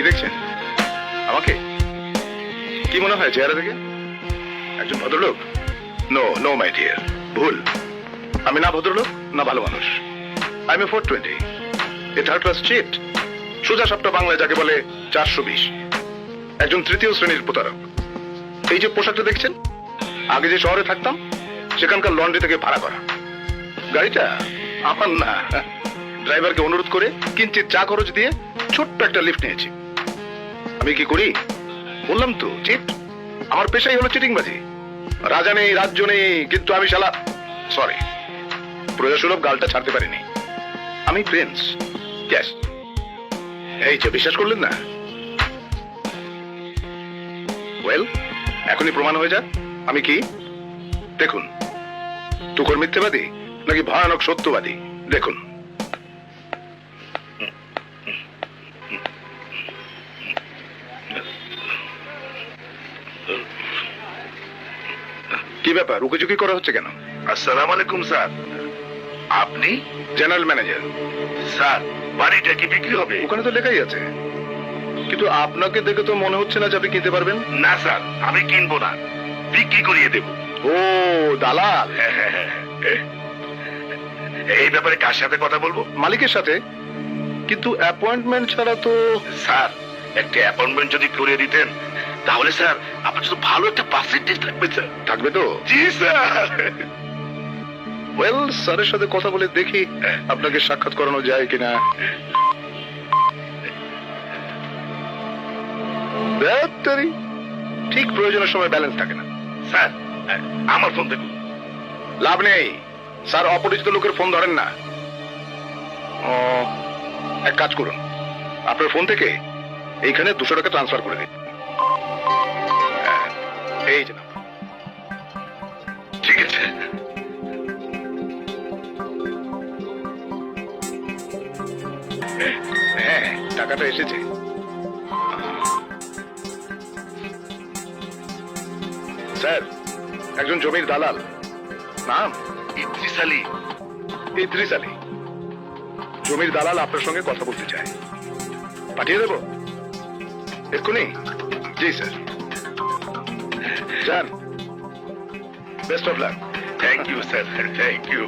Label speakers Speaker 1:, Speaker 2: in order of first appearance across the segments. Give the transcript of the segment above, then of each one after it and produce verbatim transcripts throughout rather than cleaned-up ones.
Speaker 1: দেখছেন? আমাকে কি মনে হয় চেহারা থেকে? একজন ভদ্রলোক? নো নো মাই ডিয়ার, ভুল। আমি না ভদ্রলোক না ভালো মানুষ। I am a four twenty, a third class cheat, সোজা সাপটা বাংলায় যাকে বলে চারশো বিশ, একজন তৃতীয় শ্রেণীর প্রতারক। এই যে পোশাকটা দেখছেন, আগে যে শহরে থাকতাম সেখানকার লন্ড্রি থেকে ভাড়া করা। গাড়িটা আমার না, ড্রাইভারকে অনুরোধ করে কিঞ্চিত চা খরচ দিয়ে ছোট্ট একটা লিফট নিয়েছি। আমি কি করি বললাম তো, চিট। আমার পেশাই হলো চিটিংবাজি। রাজা নেই, রাজ্য নেই, কিন্তু আমি শালা সরি প্রজাসুলভ গালটা ছাড়তে পারিনি। আমি প্রিন্স। ইয়েস। এই যে বিশ্বাস করলেন না? ওয়েল, এখনই প্রমাণ হয়ে যাক আমি কি। দেখুন, তুখোর মিথ্যেবাদী নাকি ভয়ানক সত্যবাদী, দেখুন। কি ব্যাপার, রুকিঝুঁকি করা হচ্ছে কেন?
Speaker 2: আসসালামু আলাইকুম স্যার। আপনি?
Speaker 1: General manager.
Speaker 2: স্যার, বাড়িটা কি বিক্রি হবে?
Speaker 1: ওখানে তো লেখাই আছে, কিন্তু আপনাকে দেখে তো মনে হচ্ছে না যে আপনি কিনতে পারবেন।
Speaker 2: না স্যার, আমি কিনবো না, বিক্রি করিয়ে দেব।
Speaker 1: ও দালাল।
Speaker 2: এই ব্যাপারে কার সাথে কথা বলবো?
Speaker 1: মালিকের সাথে, কিন্তু অ্যাপয়েন্টমেন্ট ছাড়া তো।
Speaker 2: স্যার, একটা অ্যাপয়েন্টমেন্ট যদি করিয়ে দিতেন তাহলে স্যার আপনার জন্য ভালো একটা পার্সেন্টেজ থাকবে স্যার।
Speaker 1: থাকবে তো?
Speaker 2: জি স্যার।
Speaker 1: ওয়েল, স্যারের সাথে কথা বলে দেখি আপনাকে সাক্ষাৎ করানো যায় কিনা। ব্যাটারি ঠিক প্রয়োজনের সময় ব্যালেন্স থাকে না।
Speaker 2: স্যার, আমার ফোন দেখুন।
Speaker 1: লাভ নেই, স্যার অপরিচিত লোকের ফোন ধরেন না। ও, এক কাজ করুন, আপনার ফোন থেকে এইখানে দুশো টাকা ট্রান্সফার করে দিন। হ্যাঁ, এই যে নাম্বার।
Speaker 2: ঠিক আছে।
Speaker 1: হ্যাঁ, টাকাটা এসেছে। স্যার, একজন জমির দালাল, নাম
Speaker 2: ইদ্রিস আলী।
Speaker 1: ইদ্রিস আলী, জমির দালাল আপনার সঙ্গে কথা বলতে চায়। পাঠিয়ে দেবো এক্ষুনি? জি স্যার, যান। Best of luck.
Speaker 2: Thank you sir, thank you.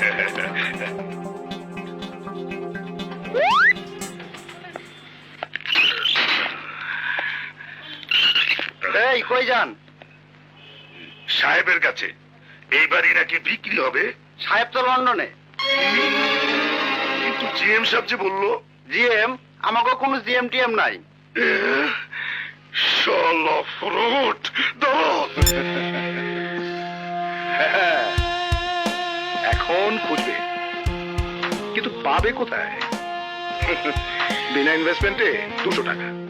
Speaker 3: এই কই যান?
Speaker 2: সাহেবের কাছে। এই বাড়ি নাকি বিক্রি হবে।
Speaker 3: সাহেব তো লন্ডনে।
Speaker 2: কিন্তু জিএম সাহেব যে বললো।
Speaker 3: জিএম? আমাকে কোনো জিএম টিএম নাই।
Speaker 2: শালা ফ্রড দাও।
Speaker 1: হ্যাঁ, এখন খুঁজবে, কিন্তু পাবে কোথায়? বিনা ইনভেস্টমেন্টে দুশো টাকা।